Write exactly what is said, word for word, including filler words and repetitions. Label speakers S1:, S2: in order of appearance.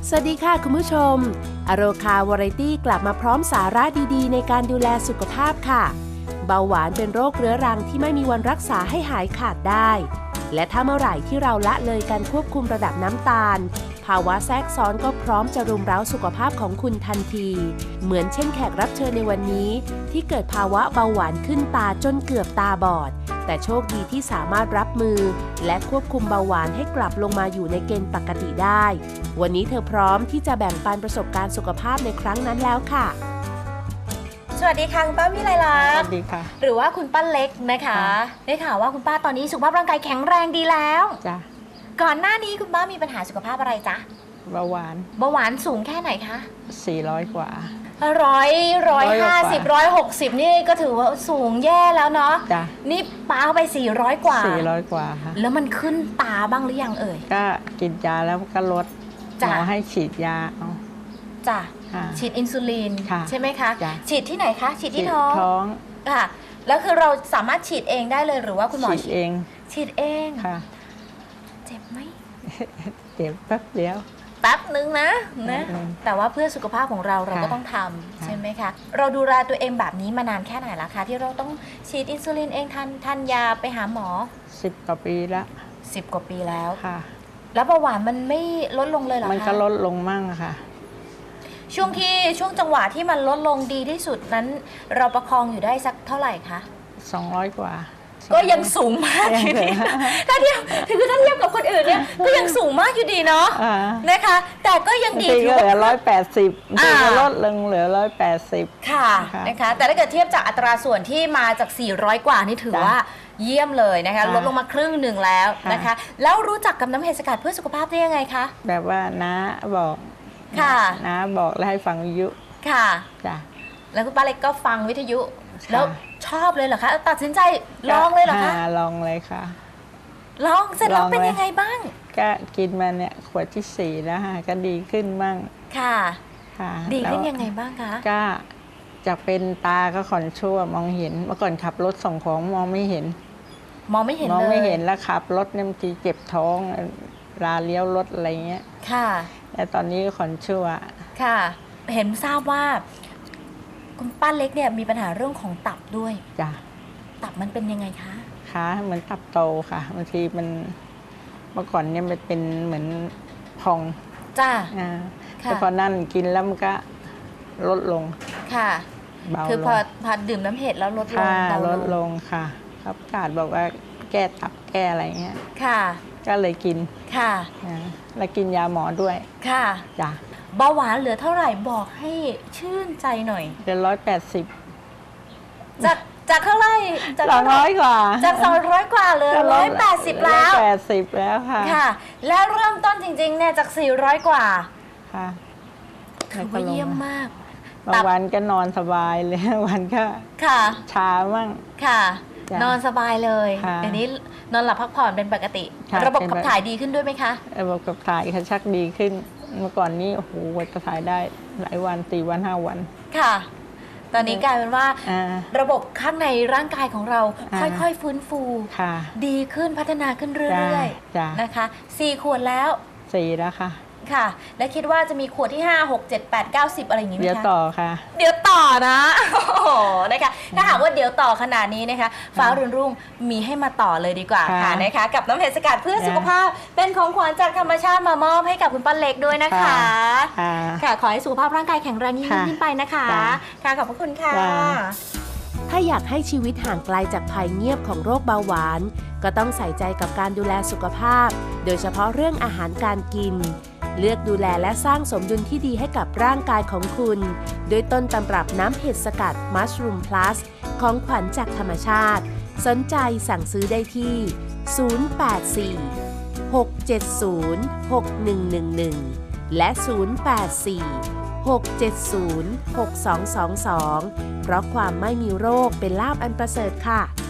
S1: สวัสดีค่ะคุณผู้ชมอโรคาวาไรตี้กลับมาพร้อมสาระดีๆในการดูแลสุขภาพค่ะเบาหวานเป็นโรคเรื้อรังที่ไม่มีวันรักษาให้หายขาดได้และถ้าเมื่อไหร่ที่เราละเลยการควบคุมระดับน้ำตาลภาวะแทรกซ้อนก็พร้อมจะรุมเร้าสุขภาพของคุณทันทีเหมือนเช่นแขกรับเชิญในวันนี้ที่เกิดภาวะเบาหวานขึ้นตาจนเกือบตาบอดแต่โชคดีที่สามารถรับมือและควบคุมเบาหวานให้กลับลงมาอยู่ในเกณฑ์ปกติได้วันนี้เธอพร้อมที่จะแบ่งปันประสบการณ์สุขภาพในครั้งนั้นแล้วค่ะ
S2: สวัสดีค่ะคุณป้าวิไลลักษณ์
S3: สวัสดีค่ะ
S2: หรือว่าคุณป้าเล็กนะคะได้ข่าวว่าคุณป้าตอนนี้สุขภาพร่างกายแข็งแรงดีแล้ว
S3: จ้ะ
S2: ก่อนหน้านี้คุณป้ามีปัญหาสุขภาพอะไรจ๊ะ
S3: เบาหวาน
S2: เบาหวานสูงแค่ไหนคะ
S3: สี่ร้อยกว่า
S2: ร้อยร้อยห้าสิบร้อยหกสิบนี่ก็ถือว่าสูงแย่แล้วเนาะ
S3: จ้ะ
S2: นี่ป้าเอาไปสี่ร้อยกว่า
S3: สี่ร้อยกว่าค่ะ
S2: แล้วมันขึ้นตาบ้างหรือยังเอ่ย
S3: ก็กินยาแล้วก็ลดหมอให้ฉีดยาเอา
S2: จ้ะฉีดอินซูลินใช่ไหมคะฉีดที่ไหนคะฉีดที่ท้อง
S3: ท้อง
S2: ค่ะแล้วคือเราสามารถฉีดเองได้เลยหรือว่าคุณหมอ
S3: ฉีดเอง
S2: ฉีดเอง
S3: ค่ะ
S2: เจ็บไหม
S3: เจ็บแป๊บเดียว
S2: แป๊บนึงนะนะแต่ว่าเพื่อสุขภาพของเราเราก็ต้องทำใช่ไหมคะเราดูแลตัวเองแบบนี้มานานแค่ไหนแล้วคะที่เราต้องฉีดอินซูลินเองทานทานยาไปหาหมอ
S3: สิบกว่าปีแล้ว
S2: สิบกว่าปีแล้ว
S3: ค่ะ
S2: แล้วเบาหวานมันไม่ลดลงเลยเหรอคะ
S3: มันก็ลดลงมั่งค่ะ
S2: ช่วงที่ช่วงจังหวะที่มันลดลงดีที่สุดนั้นเราประคองอยู่ได้สักเท่าไหร่คะ
S3: สองร้อยกว่า
S2: ก็ยังสูงมากอยู่ดีถ้าเทียบคือถ้าเทียบกับคนอื่นเนี่ยก็ยังสูงมากอยู่ดีเนาะนะคะแต่ก็ยังดี
S3: ถือเหลือร้อยแปดสิบถือลดลงเหลือร้อยแปดสิบ
S2: ค่ะนะคะแต่ถ้าเกิดเทียบจากอัตราส่วนที่มาจากสี่ร้อยกว่านี่ถือว่าเยี่ยมเลยนะคะลดลงมาครึ่งหนึ่งแล้วนะคะแล้วรู้จักกับน้ำเห็ดสกัดเพื่อสุขภาพได้ยังไงคะ
S3: แบบว่าน้าบอก
S2: ค่ะ
S3: น้าบอกแล้วให้ฟังวิทยุ
S2: ค่ะ
S3: จ้ะ
S2: แล้วคุณป้าเล็กก็ฟังวิทยุแล้วชอบเลยเหรอคะตัดสินใจลองเลยเหรอคะ
S3: ลองเลยค่ะ
S2: ลองเสร็จแล้วเป็นยังไงบ้าง
S3: ก็กินมาเนี่ยขวดที่สี่แล้วค่ะก็ดีขึ้นบ้าง
S2: ค่ะค่ะดีขึ้นยังไงบ้างคะ
S3: ก็จากเป็นตาก็ขอนชั่วมองเห็นเมื่อก่อนขับรถส่งของมองไม่เห็น
S2: มองไม่เห็นเลย
S3: มองไม่เห็นแล้วขับรถเนี่ยบางทีเจ็บท้องลาเลี้ยวรถอะไรเงี้ย
S2: ค่ะ
S3: แต่ตอนนี้ขอนชั่ว
S2: ค่ะเห็นทราบว่าคุณป้าเล็กเนี่ยมีปัญหาเรื่องของตับด้วย
S3: จ้ะ
S2: ตับมันเป็นยังไงคะ
S3: ขาเหมือนตับโตค่ะบางทีมันเมื่อก่อนเนี่ยมันเป็นเหมือนพอง
S2: จ้ะ
S3: แต่พอนั่นกินแล้วมันก็ลดลง
S2: ค่ะเบาคือพอพอดื่มน้ำเห็ดแล้วลดลง
S3: ลดลงค่ะครับกาดบอกว่าแก้ตับแก้อะไรเงี้ย
S2: ค่ะ
S3: ก็เลยกิน
S2: ค่ะ
S3: แล้วกินยาหมอด้วย
S2: ค่ะ
S3: จ้ะ
S2: เบาหวานเหลือเท่าไหร่บอกให้ชื่นใจหน่อย
S3: เหลือร้อยแปดสิบ
S2: จากจากเท่าไหร่
S3: จากสองร้อยกว่า
S2: จากสองร้อยกว่าเลยร้อยแปดสิบแล้ว
S3: แปดสิบแล้วค่ะ
S2: ค่ะแล้วเริ่มต้นจริงๆเนี่ยจากสี่ร้อยกว่า
S3: ค่ะ
S2: ถือว่าเยี่ยมมาก
S3: บางวันก็นอนสบายเลยวันก็
S2: ค่ะ
S3: ชามั่ง
S2: ค่ะนอนสบายเลยเดี๋ยวนี้นอนหลับพักผ่อนเป็นปกติระบบขับถ่ายดีขึ้นด้วยไหมคะ
S3: ระบบขับถ่ายค่ะชักดีขึ้นเมื่อก่อนนี้โอ้โหขับถ่ายได้หลายวันสี่วันห้าวัน
S2: ค่ะตอนนี้กลายเป็นว่าระบบข้างในร่างกายของเราค่อยๆฟื้นฟูดีขึ้นพัฒนาขึ้นเรื่อยๆนะคะสี่ขวดแล้ว
S3: สี่แล้วค่ะ
S2: ค่ะและคิดว่าจะมีขวดที่ห้า หก เจ็ด แปด เก้า สิบอะไรอย่างนี้ไหมคะ
S3: เดี๋ยวต่อค่ะ
S2: เดี๋ยวต่อนะโอ้โหนะคะถ้าหากว่าเดี๋ยวต่อขนาดนี้นะคะฟ้ารุ่นรุ่งมีให้มาต่อเลยดีกว่าค่ะนะคะกับน้ำเห็ดสกัดเพื่อสุขภาพเป็นของขวัญจากธรรมชาติมามอบให้กับคุณป้าเล็กด้วยนะคะค่ะขอให้สุขภาพร่างกายแข็งแรงยิ่งขึ้นไปนะคะค่ะขอบพระคุณค่ะ
S1: ถ้าอยากให้ชีวิตห่างไกลจากภัยเงียบของโรคเบาหวานก็ต้องใส่ใจกับการดูแลสุขภาพโดยเฉพาะเรื่องอาหารการกินเลือกดูแลและสร้างสมดุลที่ดีให้กับร่างกายของคุณโดยต้นตำรับน้ำเห็ดสกัด Mushroom Plus ของขวัญจากธรรมชาติสนใจสั่งซื้อได้ที่ ศูนย์ แปด สี่ หก เจ็ด ศูนย์ หก หนึ่ง หนึ่ง หนึ่ง และ ศูนย์ แปด สี่ หก เจ็ด ศูนย์ หก สอง สอง สอง เพราะความไม่มีโรคเป็นลาภอันประเสริฐค่ะ